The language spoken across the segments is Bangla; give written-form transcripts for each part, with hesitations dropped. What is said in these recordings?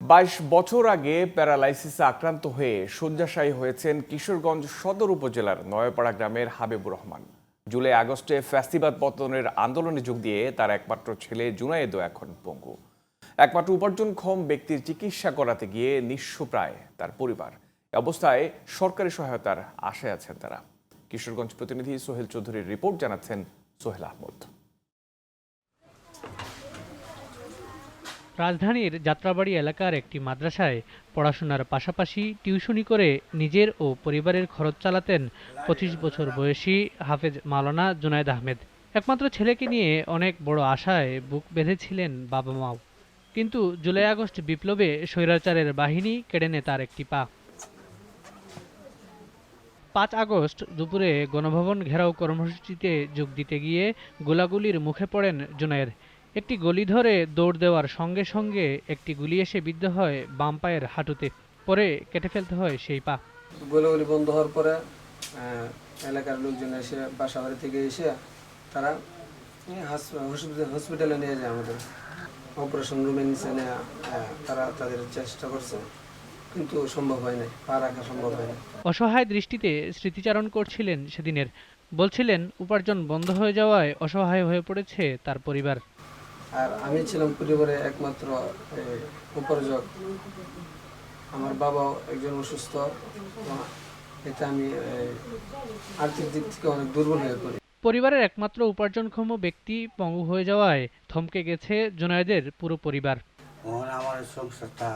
22 বছর আগে প্যারালাইসিসে আক্রান্ত হয়ে শয্যাশায়ী হয়েছেন কিশোরগঞ্জ সদর উপজেলার নয়াপাড়া গ্রামের হাবিবুর রহমান। জুলাই আগস্টে ফ্যাসিবাদ পতনের আন্দোলনে যোগ দিয়ে তার একমাত্র ছেলে জুনায়েদও এখন পঙ্গু। একমাত্র উপার্জনক্ষম ব্যক্তির চিকিৎসা করাতে গিয়ে নিঃস্ব প্রায় তার পরিবার। এ অবস্থায় সরকারি সহায়তার আশায় আছেন তারা। কিশোরগঞ্জ প্রতিনিধি সোহেল চৌধুরীর রিপোর্ট জানাচ্ছেন সোহেল আহমদ। রাজধানীর যাত্রাবাড়ি এলাকার একটি মাদ্রাসায় পড়াশোনার পাশাপাশি টিউশনি করে নিজের ও পরিবারের খরচ চালাতেন 25 বছর বয়সী হাফেজ মাওলানা জুনায়েদ আহমেদ। একমাত্র ছেলেকে নিয়ে অনেক বড় আশায় বুক বেঁধেছিলেন বাবা মাও। কিন্তু জুলাই আগস্ট বিপ্লবে স্বৈরাচারের বাহিনী কেড়ে নেয় তার একটি পা। 5 আগস্ট দুপুরে গণভবন ঘেরাও কর্মসূচিতে যোগ দিতে গিয়ে গোলাগুলির মুখে পড়েন জুনায়েদ। একটি গলি ধরে দৌড় দেওয়ার সঙ্গে সঙ্গে একটি গুলি এসে বিদ্ধ হয় বাম পায়ের হাঁটুতে। পরে কেটে ফেলতে হয় সেই পা। গোলাগুলি বন্ধ হওয়ার পরে এলাকার লোকজন এসে বাসাবাড়ি থেকে এসে তারা হসপিটালে নিয়ে যায়। আমাদের অপারেশন রুমে নিচে নেওয়া তারা তাদের চেষ্টা করছে, কিন্তু সম্ভব হয় না, পা রাখা সম্ভব হয় না। অসহায় দৃষ্টিতে স্মৃতিচারণ করছিলেন সেদিনের। বলছিলেন উপার্জন বন্ধ হয়ে যাওয়ায় অসহায় হয়ে পড়েছে তার পরিবার। আর আমি ছিলাম পরিবারে একমাত্র উপার্জক। আমার বাবাও একজন অসুস্থ, এতে আমি আর্থিক দিক থেকে অনেক দুর্বল হয়ে পড়ি। পরিবারের একমাত্র উপার্জনক্ষম ব্যক্তি পঙ্গু হয়ে যাওয়ায় থমকে গেছে জুনায়েদের পুরো পরিবার। আমার সংসারটা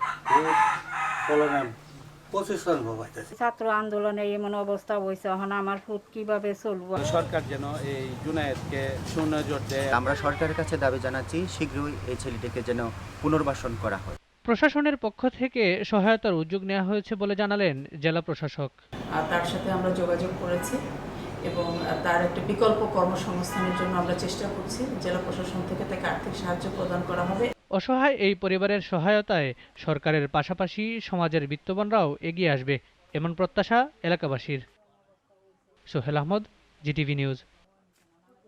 ছাত্র আন্দোলনে এমন অবস্থা হয়েছে, এখন আমার ফুট কিভাবে চলবো। সরকার যেন এই জুনায়েদকে সুনজর দেয়। আমরা সরকারের কাছে দাবি জানাচ্ছি শীঘ্রই এই ছেলেটিকে যেন পুনর্বাসন করা হয়। প্রশাসনের পক্ষ থেকে সহায়তার উদ্যোগ নেওয়া হয়েছে বলে জানালেন জেলা প্রশাসক। তার সাথে আমরা যোগাযোগ করেছি এবং তার একটা বিকল্প কর্মসংস্থানের জন্য আমরা চেষ্টা করছি। জেলা প্রশাসন থেকে তাকে আর্থিক সাহায্য প্রদান করা হবে। অসহায় এই পরিবারের সহায়তায় সরকারের পাশাপাশি সমাজের বিত্তবানরাও এগিয়ে আসবে, এমন প্রত্যাশা এলাকাবাসীর। Sohel Ahmed, GTV news.